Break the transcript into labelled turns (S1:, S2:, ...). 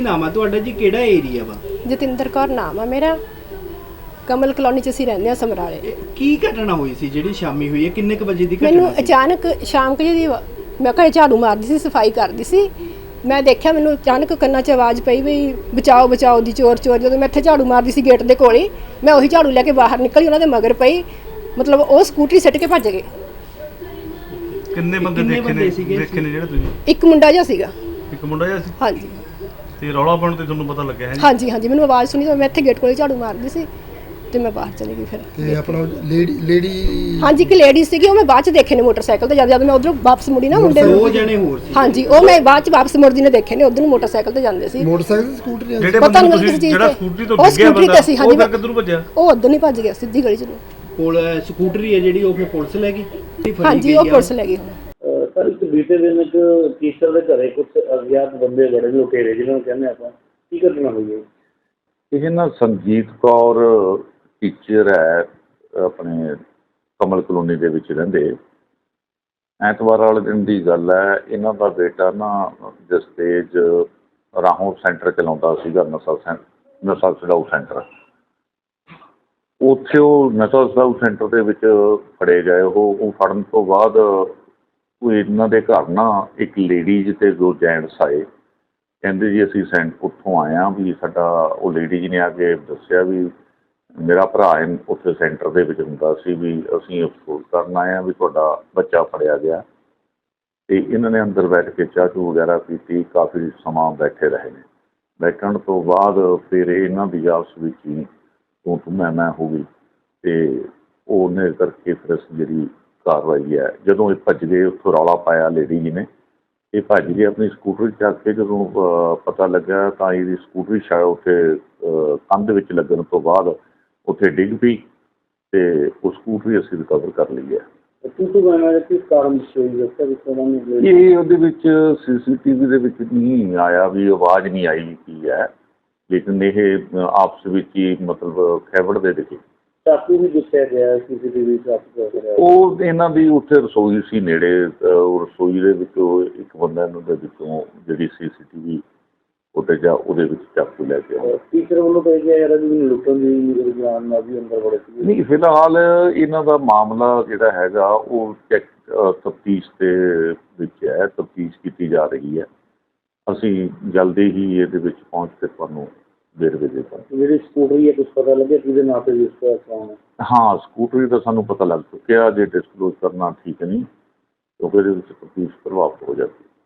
S1: ਨਾਮ ਆ ਤੁਹਾਡਾ ਜੀ, ਕਿਹੜਾ ਏਰੀਆ ਵਾ?
S2: ਜਤਿੰਦਰ ਕੌਰ ਨਾਮ ਆ ਮੇਰਾ। ਕਮਲ ਕਲੋਨੀ ਚ ਅਸੀਂ ਰਹਿੰਦੇ ਆ ਸਮਰਾਲੇ।
S1: ਕੀ ਘਟਨਾ ਹੋਈ ਸੀ ਜਿਹੜੀ ਸ਼ਾਮੀ ਹੋਈ ਹੈ? ਕਿੰਨੇ ਕੁ ਵਜੇ ਦੀ
S2: ਮੈਨੂੰ
S1: ਘਟਨਾ ਸੀ?
S2: ਅਚਾਨਕ ਸ਼ਾਮ ਕੁ ਜਿਹੀ ਮੈਂ ਘਰੇ ਝਾੜੂ ਮਾਰਦੀ ਸੀ, ਸਫਾਈ ਕਰਦੀ ਸੀ। ਮੈਂ ਦੇਖਿਆ ਮੈਨੂੰ ਅਚਾਨਕ ਕੰਨਾਂ 'ਚ ਆਵਾਜ਼ ਪਈ ਵੀ ਬਚਾਓ ਬਚਾਓ ਦੀ, ਚੋਰ ਚੋਰ। ਜਦੋਂ ਮੈਂ ਇੱਥੇ ਝਾੜੂ ਮਾਰਦੀ ਸੀ ਗੇਟ ਦੇ ਕੋਲੇ, ਮੈਂ ਉਹੀ ਝਾੜੂ ਲੈ ਕੇ ਬਾਹਰ ਨਿਕਲੀ, ਉਹਨਾਂ ਦੇ ਮਗਰ ਪਈ। ਮਤਲਬ ਉਹ ਸਕੂਟਰੀ ਸਿੱਟ ਕੇ ਭੱਜ ਗਏ।
S3: ਕਿੰਨੇ ਬੰਦੇ ਦੇਖੇ ਨੇ ਜਿਹੜੇ ਤੁਸੀਂ?
S2: ਇੱਕ ਮੁੰਡਾ ਜਿਹਾ ਸੀਗਾ।
S3: ਇੱਕ ਮੁੰਡਾ ਜਿਹਾ ਸੀ?
S2: ਹਾਂਜੀ।
S3: ਤੇ ਰੌਲਾ ਪਾਉਣ ਤੇ ਤੁਹਾਨੂੰ ਪਤਾ ਲੱਗਿਆ ਹੈ ਜੀ?
S2: ਹਾਂਜੀ ਹਾਂਜੀ, ਮੈਨੂੰ ਆਵਾਜ਼ ਸੁਣੀ ਤਾਂ ਮੈਂ ਇੱਥੇ ਗੇਟ ਕੋਲੇ ਝਾੜੂ ਮਾਰਦੀ ਸੀ ਤੇ ਮੈਂ ਬਾਹਰ ਚਲੀ ਗਈ। ਫਿਰ
S4: ਤੇ ਆਪਣਾ ਲੇਡੀ
S2: ਹਾਂਜੀ, ਇੱਕ ਲੇਡੀ ਸੀਗੀ, ਉਹ ਮੈਂ ਬਾਅਦ ਚ ਦੇਖੇ ਨੇ ਮੋਟਰਸਾਈਕਲ ਤੇ। ਜਦ ਮੈਂ ਉਧਰੋਂ ਵਾਪਸ ਮੁੜੀ ਨਾ, ਮੁੰਡੇ
S1: ਦੋ ਜਣੇ ਹੋਰ ਸੀ?
S2: ਹਾਂਜੀ, ਉਹ ਮੈਂ ਬਾਅਦ ਚ ਵਾਪਸ ਮੁੜਦੀ ਨੇ ਦੇਖੇ ਨੇ, ਉਧਰ ਨੂੰ ਮੋਟਰਸਾਈਕਲ ਤੇ ਜਾਂਦੇ ਸੀ।
S4: ਮੋਟਰਸਾਈਕਲ ਸਕੂਟਰ
S3: ਜਿਹੜੇ
S2: ਪਤਾ
S3: ਬੰਦੇ
S2: ਨਹੀਂ
S3: ਤੁਸੀਂ
S2: ਕਿਸ
S3: ਜਿਹੜਾ
S2: ਚੀਜ਼
S3: ਸਕੂਟਰੀ ਤੋਂ
S2: ਉਹ
S3: ਡਿੱਗਿਆ
S2: ਸਕੂਟਰੀ ਤੇ ਸੀ।
S3: ਬੰਦਾ,
S2: ਹਾਂਜੀ,
S3: ਉਹ ਕਿੱਧਰ ਨੂੰ ਭੱਜਿਆ?
S2: ਉਹ ਉਧਰ ਨਹੀਂ ਭੱਜ ਗਿਆ, ਸਿੱਧੀ ਗਲੀ ਚ ਨੂੰ।
S1: ਕੋਲ ਸਕੂਟਰੀ ਹੈ ਜਿਹੜੀ, ਉਹ ਫਿਰ ਪੁਲਿਸ ਲੈ ਗਈ?
S2: ਹਾਂਜੀ, ਉਹ ਪੁਲਿਸ ਲੈ ਗਈ।
S5: ਸਰ, ਇੱਕ ਬੀਤੇ ਦਿਨ ਇੱਕ ਟੀਚਰ ਦੇ ਘਰੇ ਕੁਝ ਅਗਿਆਤ ਬੰਦੇ ਬੜੇ ਲੁਟੇਰੇ, ਜਿਹਨਾਂ ਨੂੰ ਕਹਿੰਦੇ ਆਪਾਂ, ਕੀ ਘਟਨਾ ਹੋਈ ਹੈ?
S6: ਇਹ ਨਾ ਸੰਜੀਤ ਕੌਰ ਟੀਚਰ ਹੈ, ਆਪਣੇ ਕਮਲ ਕਲੋਨੀ ਦੇ ਵਿੱਚ ਰਹਿੰਦੇ। ਐਤਵਾਰ ਵਾਲੇ ਦਿਨ ਦੀ ਗੱਲ ਹੈ। ਇਹਨਾਂ ਦਾ ਬੇਟਾ ਨਾ ਜਸਤੇਜ ਰਾਹੋਂ ਸੈਂਟਰ ਚਲਾਉਂਦਾ ਸੀਗਾ, ਨਸ਼ਾ ਛਡਾਊ ਸੈਂਟਰ। ਉੱਥੇ ਉਹ ਨਸ਼ਾ ਛਡਾਊ ਸੈਂਟਰ ਦੇ ਵਿੱਚ ਫੜੇ ਗਏ। ਉਹ ਫੜਨ ਤੋਂ ਬਾਅਦ ਉਹ ਇਹਨਾਂ ਦੇ ਘਰ ਨਾ ਇੱਕ ਲੇਡੀਜ਼ ਅਤੇ ਦੋ ਜੈਂਟਸ ਆਏ। ਕਹਿੰਦੇ ਜੀ ਅਸੀਂ ਉੱਥੋਂ ਆਏ ਹਾਂ ਵੀ ਸਾਡਾ, ਉਹ ਲੇਡੀ ਜੀ ਨੇ ਆ ਕੇ ਦੱਸਿਆ ਵੀ ਮੇਰਾ ਭਰਾ ਉੱਥੇ ਸੈਂਟਰ ਦੇ ਵਿੱਚ ਹੁੰਦਾ ਸੀ, ਵੀ ਅਸੀਂ ਅਫਸੋਸ ਕਰਨ ਆਏ ਹਾਂ ਵੀ ਤੁਹਾਡਾ ਬੱਚਾ ਫੜਿਆ ਗਿਆ। ਅਤੇ ਇਹਨਾਂ ਨੇ ਅੰਦਰ ਬੈਠ ਕੇ ਚਾਹ ਚੂਹ ਵਗੈਰਾ ਪੀਤੀ, ਕਾਫੀ ਸਮਾਂ ਬੈਠੇ ਰਹੇ ਨੇ। ਬੈਠਣ ਤੋਂ ਬਾਅਦ ਫਿਰ ਇਹਨਾਂ ਦੀ ਆਪਸ ਵਿੱਚ ਹੀ ਤੂੰ ਮੈਂ ਹੋ ਗਈ, ਅਤੇ ਉਹਨੇ ਕਰਕੇ ਫਿਰ ਅਸੀਂ ਜਿਹੜੀ ਕਾਰਵਾਈ ਹੈ, ਜਦੋਂ ਇਹ ਭੱਜ ਗਏ ਉੱਥੋਂ ਰੌਲਾ ਪਾਇਆ ਲੇਡੀ ਜੀ ਨੇ, ਇਹ ਭੱਜ ਗਏ ਆਪਣੀ ਸਕੂਟਰੀ ਚੱਕ ਕੇ। ਜਦੋਂ ਪਤਾ ਲੱਗਾ ਤਾਂ ਇਹਦੀ ਸਕੂਟਰੀ ਸ਼ਾਇਦ ਉੱਥੇ ਕੰਧ ਵਿੱਚ ਲੱਗਣ ਤੋਂ ਬਾਅਦ ਉੱਥੇ ਡਿੱਗ ਪਈ, ਅਤੇ ਉਹ ਸਕੂਟਰੀ ਅਸੀਂ ਰਿਕਵਰ ਕਰ ਲਈ ਹੈ।
S5: ਕਿਸ ਕਾਰਨ
S6: ਇਹ ਉਹਦੇ ਵਿੱਚ CCTV ਦੇ ਵਿੱਚ ਨਹੀਂ ਆਇਆ ਵੀ ਆਵਾਜ਼ ਨਹੀਂ ਆਈ ਕੀ ਹੈ, ਲੇਕਿਨ ਇਹ ਆਪਸ ਵਿੱਚ ਹੀ ਮਤਲਬ ਖੈਬੜਦੇ ਦਿਖੇ।
S5: ਚਾਕੂ ਵੀ ਦੱਸਿਆ ਗਿਆ CCTV
S6: ਉਹ ਇਹਨਾਂ ਦੀ ਉੱਥੇ ਰਸੋਈ ਸੀ ਨੇੜੇ, ਰਸੋਈ ਦੇ ਵਿੱਚੋਂ ਇੱਕ ਬੰਦਾ ਇਹਨਾਂ ਦੇ ਵਿੱਚੋਂ ਜਿਹੜੀ CCTV ਉੱਤੇ ਜਾ ਉਹਦੇ ਵਿੱਚ ਚਾਕੂ ਲੈ ਕੇ ਆਇਆ।
S5: ਟੀਚਰ ਵੱਲੋਂ ਤਾਂ ਇਹ ਕਿਹਾ ਜਾ ਰਿਹਾ ਵੀ ਮੈਨੂੰ ਲੁੱਟਣ ਦੀ ਜਾਨ ਨਾਲ ਵੀ ਅੰਦਰ ਬੜੇ ਸੀ।
S6: ਨਹੀਂ, ਫਿਲਹਾਲ ਇਹਨਾਂ ਦਾ ਮਾਮਲਾ ਜਿਹੜਾ ਹੈਗਾ ਉਹ ਤਫਤੀਸ਼ ਦੇ ਵਿੱਚ ਹੈ, ਤਫਤੀਸ਼ ਕੀਤੀ ਜਾ ਰਹੀ ਹੈ। ਅਸੀਂ ਜਲਦੀ ਹੀ ਇਹਦੇ ਵਿੱਚ ਪਹੁੰਚ ਕੇ ਤੁਹਾਨੂੰ ਵੇਰਵੇ ਦੇ ਦਾਂਗੇ।
S5: ਜਿਹੜੀ ਸਕੂਟਰੀ ਹੈ ਕੁਛ ਪਤਾ ਲੱਗਿਆ ਕਿਹਦੇ ਨਾਂ ਤੇ ਰਜਿਸਟਰ ਕਰਾਉਣਾ?
S6: ਹਾਂ, ਸਕੂਟਰੀ ਦਾ ਸਾਨੂੰ ਪਤਾ ਲੱਗ ਚੁੱਕਿਆ। ਜੇ ਡਿਸਕਲੋਜ਼ ਕਰਨਾ ਠੀਕ ਨਹੀਂ, ਕਿਉਂਕਿ ਇਹਦੇ ਵਿੱਚ ਤਫਤੀਸ਼ ਪ੍ਰਭਾਵਿਤ ਹੋ ਜਾਂਦੀ ਹੈ।